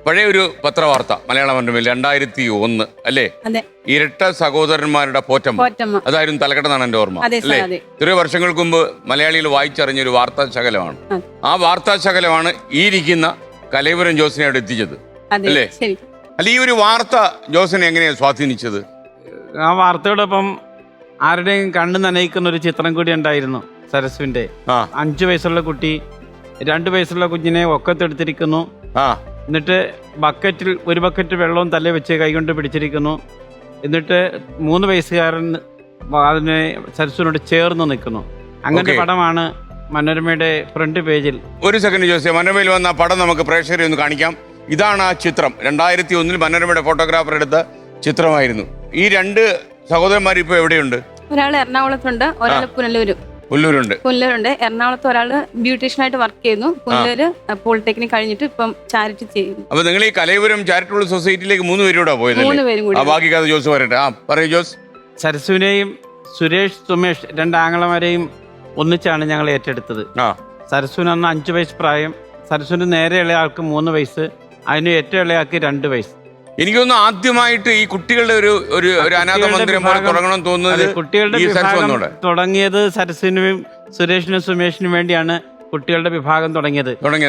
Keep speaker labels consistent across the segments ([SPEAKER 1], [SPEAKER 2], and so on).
[SPEAKER 1] പഴയ ഒരു പത്രവാർത്ത മലയാള മനോരമയിൽ 2001 അല്ലേ? ഇരട്ട സഹോദരന്മാരുടെ പോറ്റമ്മ. അതായിരുന്നു തലക്കെട്ടെന്നാണ് എന്റെ ഓർമ്മ അല്ലേ? ഇത്രയോ വർഷങ്ങൾക്ക് മുമ്പ് മലയാളികൾ വായിച്ചറിഞ്ഞൊരു വാർത്താ ശകലമാണ്. ആ വാർത്താ ശകലമാണ് ഈ ഇരിക്കുന്ന കലൈവരം ജോസിനെ അവിടെ എത്തിച്ചത് അല്ലേ? അല്ല, ഈ ഒരു വാർത്ത ജോസിനെ എങ്ങനെയാണ് സ്വാധീനിച്ചത്?
[SPEAKER 2] ആ വാർത്തയോടൊപ്പം ആരുടെയും കണ്ണു നനയിക്കുന്ന ഒരു ചിത്രം കൂടി ഉണ്ടായിരുന്നു. സരസുവിന്റെ 5 വയസ്സുള്ള കുട്ടി 2 വയസ്സുള്ള കുഞ്ഞിനെ ഒക്കത്തെടുത്തിരിക്കുന്നു. എന്നിട്ട് ഒരു ബക്കറ്റ് വെള്ളവും തലേ വെച്ച് കൈകൊണ്ട് പിടിച്ചിരിക്കുന്നു. എന്നിട്ട് 3 വയസ്സുകാരൻ അതിനെ സരസുവിനോട് ചേർന്ന് നിൽക്കുന്നു. അങ്ങനത്തെ പടമാണ് മനോരമയുടെ ഫ്രണ്ട് പേജിൽ.
[SPEAKER 1] ഒരു സെക്കൻഡ് ജോസിയ, മനോരമയിൽ വന്ന പടം നമുക്ക് പ്രേക്ഷകരെ ഒന്ന് കാണിക്കാം. ഇതാണ് ആ ചിത്രം. 2001 മനോരമയുടെ ഫോട്ടോഗ്രാഫർ എടുത്ത ചിത്രമായിരുന്നു. ഈ 2 സഹോദരന്മാർ ഇപ്പൊ എവിടെയുണ്ട്?
[SPEAKER 3] ഒരാൾ എറണാകുളത്തുണ്ട്, ഒരാൾ പുനലൂരുണ്ട്. എറണാകുളത്ത് ഒരാള് ബ്യൂട്ടീഷ്യനായിട്ട് വർക്ക് ചെയ്യുന്നു. പുനലൂര് പോളിടെക്നിക് കഴിഞ്ഞിട്ട് ഇപ്പം ചാരിറ്റി ചെയ്യുന്നു.
[SPEAKER 1] അപ്പൊ നിങ്ങൾ ഈ കലൈവരം ചാരിറ്റബിൾ സൊസൈറ്റിയിലേക്ക് 3 പേരൂടെ പോയത്?
[SPEAKER 3] 3 പേരും കൂടി.
[SPEAKER 1] ബാക്കി കഥ ജോസ് പറയട്ടെ. പറയൂ ജോസ്.
[SPEAKER 2] സരസുവിനെയും സുമേഷ് 2 ആങ്ങളമാരെയും ഒന്നിച്ചാണ് ഞങ്ങൾ ഏറ്റെടുത്തത്. സരസുവിന് അന്ന് 5 വയസ്സ് പ്രായം. സരസുവിന് നേരെ ഇളയാൾക്ക് 3 വയസ്സ്. അതിന് ഏറ്റവും ഇളയാൾക്ക് 2 വയസ്സ്.
[SPEAKER 1] എനിക്കൊന്ന് ആദ്യമായിട്ട് ഈ കുട്ടികളുടെ ഒരു അനാഥ മന്ദിരം പോലെ തുടങ്ങണം തോന്നുന്നത്.
[SPEAKER 2] കുട്ടികളുടെ വിഭാഗം തുടങ്ങിയത് സരസിനും സുരേഷിനും സുമേഷിനും വേണ്ടിയാണ്. കുട്ടികളുടെ വിഭാഗം തുടങ്ങിയത്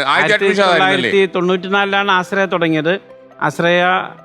[SPEAKER 2] 1994 ആശ്രയ തുടങ്ങിയത്. ആശ്രയ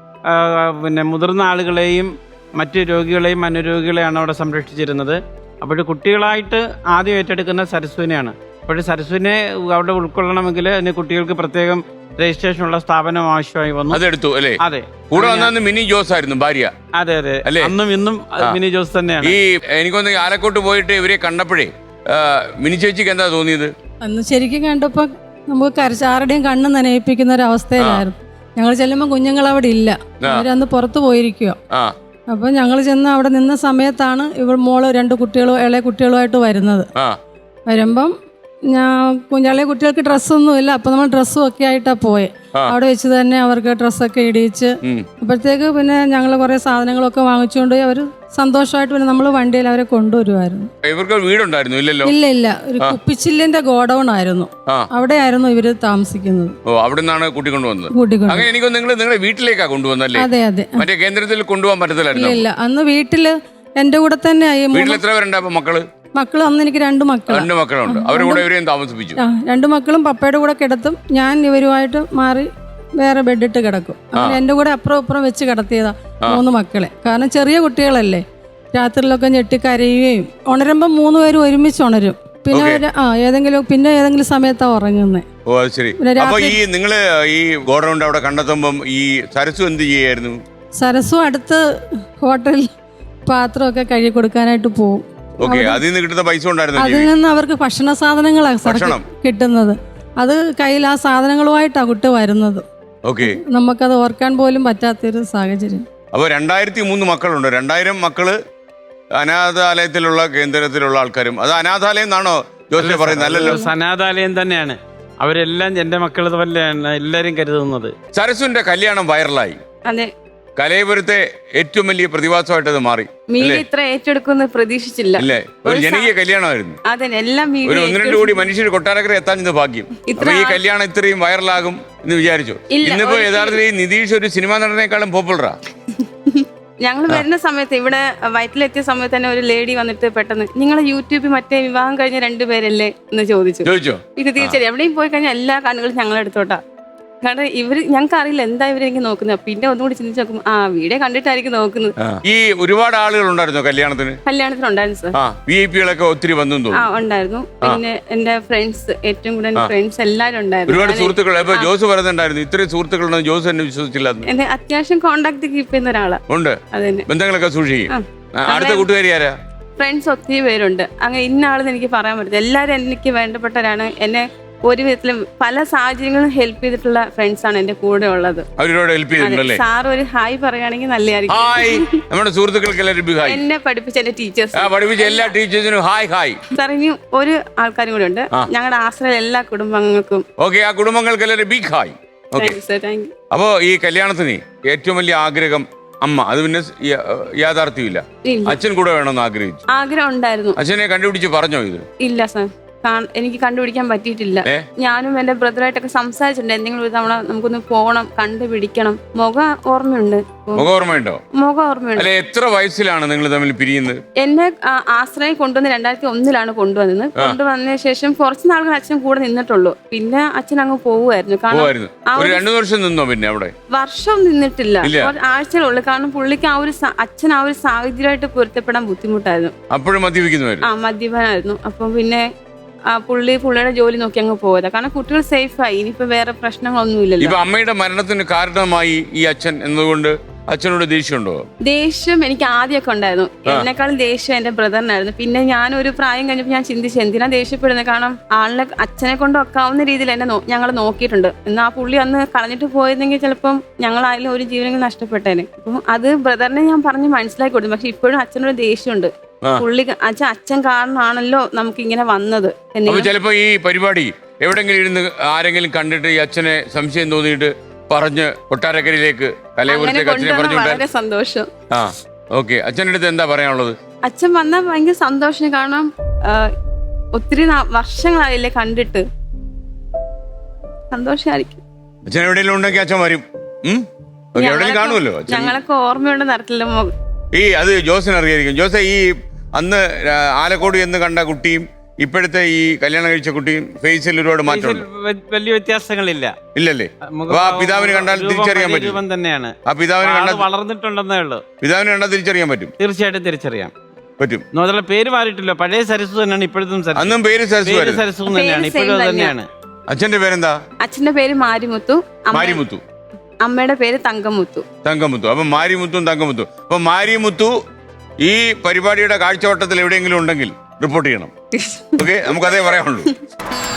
[SPEAKER 2] പിന്നെ മുതിർന്ന ആളുകളെയും മറ്റു രോഗികളെയും അനുരോഗികളെയാണ് അവിടെ സംരക്ഷിച്ചിരുന്നത്. അപ്പോൾ കുട്ടികളായിട്ട് ആദ്യം ഏറ്റെടുക്കുന്ന സരസുവിനെയാണ്. അപ്പോൾ സരസുവിനെ അവിടെ ഉൾക്കൊള്ളണമെങ്കിൽ അതിന് കുട്ടികൾക്ക് പ്രത്യേകം രജിസ്ട്രേഷൻ ഉള്ള സ്ഥാപനം ആവശ്യമായി വന്നു.
[SPEAKER 1] അതെടുത്തു അല്ലേ?
[SPEAKER 2] അതെ.
[SPEAKER 1] കൂടെ വന്ന മിനി ജോസ് ആയിരുന്നു ഭാര്യ.
[SPEAKER 2] അതെ അന്നും ഇന്നും മിനി ജോസ് തന്നെയാണ്.
[SPEAKER 1] ഈ എനിക്കൊന്ന് ആലക്കോട്ട് പോയിട്ട് ഇവരെ കണ്ടപ്പോഴേ മിനി ചേച്ചിക്ക് എന്താ തോന്നിയത്?
[SPEAKER 4] അന്ന് ശരിക്കും കണ്ടപ്പോ നമുക്ക് ആരുടെയും കണ്ണ് നനയിപ്പിക്കുന്ന ഒരു അവസ്ഥയിലായിരുന്നു. ഞങ്ങൾ ചെല്ലുമ്പോൾ കുഞ്ഞുങ്ങൾ അവിടെ ഇല്ല, അവരന്ന് പുറത്തു പോയിരിക്കുക. അപ്പൊ ഞങ്ങൾ ചെന്ന് അവിടെ നിന്ന സമയത്താണ് മോള് 2 കുട്ടികളും ഇളയ കുട്ടികളുമായിട്ട് വരുന്നത്. വരുമ്പം ഇളയ കുട്ടികൾക്ക് ഡ്രസ്സൊന്നും ഇല്ല. അപ്പൊ നമ്മൾ ഡ്രസ്സും ഒക്കെ ആയിട്ടാ പോയെ. അവിടെ വെച്ച് തന്നെ അവർക്ക് ഡ്രസ്സൊക്കെ ഇടിയിച്ച് അപ്പോഴത്തേക്ക് പിന്നെ ഞങ്ങൾ കുറെ സാധനങ്ങളൊക്കെ വാങ്ങിച്ചുകൊണ്ട് അവര് സന്തോഷമായിട്ട് പിന്നെ നമ്മൾ വണ്ടിയിൽ അവരെ കൊണ്ടുവരുമായിരുന്നു.
[SPEAKER 1] ഇവർക്ക് വീടുണ്ടായിരുന്നു?
[SPEAKER 4] ഇല്ല, ഒരു കുപ്പിച്ചില്ലിന്റെ ഗോഡൌൺ ആയിരുന്നു. അവിടെയായിരുന്നു ഇവര് താമസിക്കുന്നത്.
[SPEAKER 1] അവിടെ നിന്നാണ് കൂട്ടിക്കൊണ്ടുവന്നത്. എനിക്ക് നിങ്ങളെ വീട്ടിലേക്കാ കൊണ്ടുവന്നല്ലേ?
[SPEAKER 4] അതെ.
[SPEAKER 1] മറ്റേ കേന്ദ്രത്തിൽ കൊണ്ടുപോകാൻ പറ്റത്തില്ലായിരുന്നു?
[SPEAKER 4] ഇല്ല, അന്ന് വീട്ടില് എന്റെ കൂടെ തന്നെ.
[SPEAKER 1] വീട്ടിൽ എത്ര പേരുണ്ട്
[SPEAKER 4] മക്കള്? അന്ന് എനിക്ക് 2
[SPEAKER 1] മക്കളുണ്ട്. അവരുടെ കൂടെ ഇവരെയും താമസിപ്പിച്ചു.
[SPEAKER 4] 2 മക്കളും പപ്പയുടെ കൂടെ കിടത്തും. ഞാൻ ഇവരുമായിട്ട് മാറി വേറെ ബെഡിട്ട് കിടക്കും. അങ്ങനെ എന്റെ കൂടെ അപ്പുറം വെച്ച് കിടത്തിയതാ 3 മക്കളെ. കാരണം ചെറിയ കുട്ടികളല്ലേ, രാത്രിയിലൊക്കെ ഞെട്ടിക്കരയുകയും ഉണരുമ്പോ 3 പേരും ഒരുമിച്ച് ഉണരും. പിന്നെ ഏതെങ്കിലും സമയത്താ ഉറങ്ങുന്നത്.
[SPEAKER 1] ഓ അത് ശരി. അപ്പൊ ഈ നിങ്ങള് ഈ ഗോഡൗണ്ട് അവിടെ കണ്ടെത്തുമ്പം ഈ സരസു എന്ത് ചെയ്യായിരുന്നു?
[SPEAKER 4] സരസു അടുത്ത് ഹോട്ടലിൽ പാത്രമൊക്കെ കഴുകി കൊടുക്കാനായിട്ട് പോകും.
[SPEAKER 1] അതിൽ
[SPEAKER 4] നിന്ന് അവർക്ക് ഭക്ഷണ സാധനങ്ങളാണ് കിട്ടുന്നത്. അത് കയ്യിൽ ആ സാധനങ്ങളുമായിട്ടാ കുട്ടി വരുന്നത്. നമുക്കത് ഓർക്കാൻ പോലും പറ്റാത്തൊരു സാഹചര്യം.
[SPEAKER 1] അപ്പൊ 2003 മക്കളുണ്ട്. 2000 മക്കള് അനാഥാലയത്തിലുള്ള കേന്ദ്രത്തിലുള്ള ആൾക്കാരും. അത് അനാഥാലയം എന്നാണോ ജോസിനെ പറയുന്നത്? അല്ലല്ലോ,
[SPEAKER 2] അനാഥാലയം തന്നെയാണ്. അവരെല്ലാം എന്റെ മക്കൾ പോലെയാണ് എല്ലാരും കരുതുന്നത്.
[SPEAKER 1] സരസുവിന്റെ കല്യാണം വൈറലായി.
[SPEAKER 3] അതെ.
[SPEAKER 1] കലൈവരത്തെ ഏറ്റവും വലിയ പ്രതിഭാസമായിട്ട് അത് മാറി.
[SPEAKER 3] ഇത്ര ഏറ്റെടുക്കുന്ന പ്രതീക്ഷിച്ചില്ല.
[SPEAKER 1] ഒരു ജനകീയ കല്യാണമായിരുന്നു. ഒരു 1-2 കോടി മനുഷ്യർ കൊട്ടാരക്കര എത്താൻ ഇത് ഭാഗ്യം. അപ്പൊ ഈ കല്യാണം ഇത്രയും വൈറലാകും എന്ന് വിചാരിച്ചു? ഇന്നിപ്പോ യഥാർത്ഥത്തിൽ ഈ നിതീഷ് ഒരു സിനിമാ നടനേക്കാളും പോപ്പുലറാ.
[SPEAKER 3] ഞങ്ങൾ വരുന്ന സമയത്ത് ഇവിടെ വയറ്റിലെത്തിയ സമയത്ത് തന്നെ ഒരു ലേഡി വന്നിട്ട് പെട്ടെന്ന് നിങ്ങളെ യൂട്യൂബിൽ മറ്റേ വിവാഹം കഴിഞ്ഞ 2 പേരല്ലേ എന്ന് ചോദിച്ചു. ഇത് തീർച്ചയായും എവിടെയും പോയി കഴിഞ്ഞാൽ എല്ലാ കണ്ണുകളും ഞങ്ങളെടുത്തോട്ടാ. കാരണം ഞങ്ങൾക്ക് അറിയില്ല എന്താ ഇവരെനിക്ക് നോക്കുന്നത്. പിന്നെ ഒന്നുകൂടി ചിന്തിച്ച് നോക്കും, വീഡിയോ കണ്ടിട്ടായിരിക്കും നോക്കുന്നത്.
[SPEAKER 1] ഈ ഒരുപാട് ആളുകൾ ഉണ്ടായിരുന്നു
[SPEAKER 3] കല്യാണത്തിനുണ്ടായിരുന്നു സാർ.
[SPEAKER 1] വിഐപികളൊക്കെ ഒത്തിരി വന്നു
[SPEAKER 3] ഉണ്ടായിരുന്നു. പിന്നെ എന്റെ ഫ്രണ്ട്സ്, ഏറ്റവും കൂടുതൽ ഫ്രണ്ട്സ് എല്ലാവരും ഉണ്ടായിരുന്നു.
[SPEAKER 1] ഒരുപാട് സുഹൃത്തുക്കൾ. ജോസ് പറയുന്നുണ്ടായിരുന്നു ഇത്രയും സുഹൃത്തുക്കളുണ്ടെന്ന് ജോസ് എന്നെ വിശ്വസിച്ചില്ല.
[SPEAKER 3] എന്നെ അത്യാവശ്യം കോണ്ടാക്ട് കീപ്പ് ചെയ്യുന്ന ഒരാളാ.
[SPEAKER 1] ഉണ്ട്, ബന്ധങ്ങളൊക്കെ സൂക്ഷിക്കും. അടുത്ത കൂട്ടുകാരി ആരാ?
[SPEAKER 3] ഫ്രണ്ട്സ് ഒത്തിരി പേരുണ്ട്. അങ്ങനെ ഇന്ന ആളെന്ന് എനിക്ക് പറയാൻ പറ്റില്ല. എല്ലാവരും എനിക്ക് വേണ്ടപ്പെട്ടവരാണ്. എന്നെ ഒരു വിധത്തിലും പല സാഹചര്യങ്ങളും ഹെൽപ്പ് ചെയ്തിട്ടുള്ള ഫ്രണ്ട്സ് ആണ് എന്റെ കൂടെ ഉള്ളത്. സാർ ഒരു ഹായ് പറയുകയാണെങ്കിൽ നല്ലതായിരിക്കും. എന്നെ പഠിപ്പിച്ച എന്റെ ടീച്ചേഴ്സ് സാർ. ഇനി ഒരു ആൾക്കാരും കൂടെ ഉണ്ട്, ഞങ്ങളുടെ ആശ്രയ എല്ലാ കുടുംബങ്ങൾക്കും.
[SPEAKER 1] അപ്പോ ഈ കല്യാണത്തിന് ഏറ്റവും വലിയ ആഗ്രഹം അമ്മ, അത് പിന്നെ യാഥാർത്ഥ്യമില്ല. അച്ഛൻ കൂടെ വേണമെന്ന് ആഗ്രഹിച്ചു.
[SPEAKER 3] ആഗ്രഹം ഉണ്ടായിരുന്നു.
[SPEAKER 1] അച്ഛനെ കണ്ടുപിടിച്ച് പറഞ്ഞോ ഇത്?
[SPEAKER 3] ഇല്ല സാർ. എനിക്ക് കണ്ടുപിടിക്കാൻ പറ്റിയിട്ടില്ല. ഞാനും എന്റെ ബ്രദറായിട്ടൊക്കെ സംസാരിച്ചിട്ടുണ്ട്, എന്തെങ്കിലും ഒരു തവണ നമുക്കൊന്ന് പോകണം, കണ്ടുപിടിക്കണം. മുഖം ഓർമ്മയുണ്ട്.
[SPEAKER 1] മുഖം ഓർമ്മയുണ്ട്. എത്ര വയസ്സിലാണ് നിങ്ങൾ തമ്മിൽ പിരിയുന്നത്?
[SPEAKER 3] എന്നെ ആശ്രയം കൊണ്ടുവന്ന് 2001 കൊണ്ടുവന്നത്. കൊണ്ടുവന്ന ശേഷം കുറച്ച് നാളുകൾ അച്ഛൻ കൂടെ നിന്നിട്ടുള്ളൂ. പിന്നെ അച്ഛൻ അങ്ങ് പോവുമായിരുന്നു. വർഷം നിന്നിട്ടില്ല, ആഴ്ചകളുള്ളൂ. കാരണം പുള്ളിക്ക് അച്ഛൻ ആ ഒരു സാഹചര്യമായിട്ട് പൊരുത്തപ്പെടാൻ ബുദ്ധിമുട്ടായിരുന്നു. മദ്യപാനായിരുന്നു. അപ്പം പിന്നെ പുള്ളിയുടെ ജോലി നോക്കി അങ്ങ് പോയതാ. കാരണം കുട്ടികൾ സേഫായി, ഇനിയിപ്പോ വേറെ പ്രശ്നങ്ങളൊന്നും ഇല്ലല്ലോ.
[SPEAKER 1] അമ്മയുടെ മരണത്തിന് കാരണമായി ഈ അച്ഛൻ എന്നതുകൊണ്ട് അച്ഛനോട് ദേഷ്യമുണ്ടോ?
[SPEAKER 3] ദേഷ്യം എനിക്ക് ആദ്യമൊക്കെ ഉണ്ടായിരുന്നു. എന്നെക്കാളും ദേഷ്യം എന്റെ ബ്രദറിനായിരുന്നു. പിന്നെ ഞാനൊരു പ്രായം കഴിഞ്ഞപ്പോൾ ഞാൻ ചിന്തിച്ചു എന്തിനാ ദേഷ്യപ്പെടുന്നത്. കാരണം ആളിനെ അച്ഛനെ കൊണ്ട് ഒക്കാവുന്ന രീതിയിൽ എന്നെ ഞങ്ങൾ നോക്കിയിട്ടുണ്ട്. എന്നാൽ ആ പുള്ളി അന്ന് കളഞ്ഞിട്ട് പോയിരുന്നെങ്കിൽ ചിലപ്പം ഞങ്ങളായാലും ഒരു ജീവനെങ്കിലും നഷ്ടപ്പെട്ടേനെ. അപ്പം അത് ബ്രദറിനെ ഞാൻ പറഞ്ഞ് മനസ്സിലാക്കി കൊടുത്തു. പക്ഷെ ഇപ്പോഴും അച്ഛനൊരു ദേഷ്യമുണ്ട്. പുള്ളി അച്ഛൻ കാരണമാണല്ലോ നമുക്ക് ഇങ്ങനെ വന്നത്.
[SPEAKER 1] ചിലപ്പോ ഈ പരിപാടി എവിടെങ്കിലും ഇരുന്ന് ആരെങ്കിലും കണ്ടിട്ട് ഈ അച്ഛനെ സംശയം തോന്നിയിട്ട് പറഞ്ഞ് കൊട്ടാരക്കരയിലേക്ക്
[SPEAKER 3] വളരെ സന്തോഷം.
[SPEAKER 1] അച്ഛൻ്റെ അടുത്ത് എന്താ പറയാനുള്ളത്?
[SPEAKER 3] അച്ഛൻ വന്നാൽ ഭയങ്കര സന്തോഷം. കാരണം ഒത്തിരി വർഷങ്ങളായില്ലേ കണ്ടിട്ട്, സന്തോഷമായിരിക്കും.
[SPEAKER 1] അച്ഛൻ എവിടെയെങ്കിലും ഉണ്ടെങ്കിൽ അച്ഛൻ വരും. കാണുമല്ലോ.
[SPEAKER 3] ഞങ്ങളൊക്കെ ഓർമ്മയുണ്ട് നടത്തില്ല.
[SPEAKER 1] അത് ജോസിന് അറിയായിരിക്കും. ജോസെ, ഈ അന്ന് ആലക്കോട് എന്ന് കണ്ട കുട്ടിയും ഇപ്പോഴത്തെ ഈ കല്യാണം കഴിച്ച കുട്ടിയും ഫേസിൽ ഒരുപാട് മാറ്റമുണ്ട്.
[SPEAKER 2] വലിയ വ്യത്യാസങ്ങളില്ല.
[SPEAKER 1] ഇല്ലല്ലേ? ആ പിതാവിനെ കണ്ടാൽ തിരിച്ചറിയാൻ പറ്റും.
[SPEAKER 2] തന്നെയാണ്.
[SPEAKER 1] ആ പിതാവിനെ കണ്ടാൽ
[SPEAKER 2] വളർന്നിട്ടുണ്ടെന്നേ ഉള്ളൂ.
[SPEAKER 1] പിതാവിനെ കണ്ടാൽ തിരിച്ചറിയാൻ പറ്റും.
[SPEAKER 2] തീർച്ചയായിട്ടും തിരിച്ചറിയാൻ
[SPEAKER 1] പറ്റും.
[SPEAKER 2] പേര് മാറിയിട്ടില്ല. പഴയ സരസു തന്നെയാണ് ഇപ്പോഴത്തും.
[SPEAKER 1] അന്നും പേര്
[SPEAKER 2] സരസു തന്നെയാണ്, ഇപ്പോഴും തന്നെയാണ്.
[SPEAKER 1] അച്ഛന്റെ പേരെന്താ?
[SPEAKER 3] അച്ഛന്റെ പേര് മാരിമുത്തു. അമ്മയുടെ പേര് തങ്കമുത്തു.
[SPEAKER 1] അപ്പൊ മാരിമുത്തും തങ്കമുത്തു. അപ്പൊ മാരിമുത്തു ഈ പരിപാടിയുടെ കാഴ്ചവട്ടത്തിൽ എവിടെയെങ്കിലും ഉണ്ടെങ്കിൽ റിപ്പോർട്ട് ചെയ്യണം. ഓക്കെ, നമുക്കതേ പറയാനുള്ളൂ.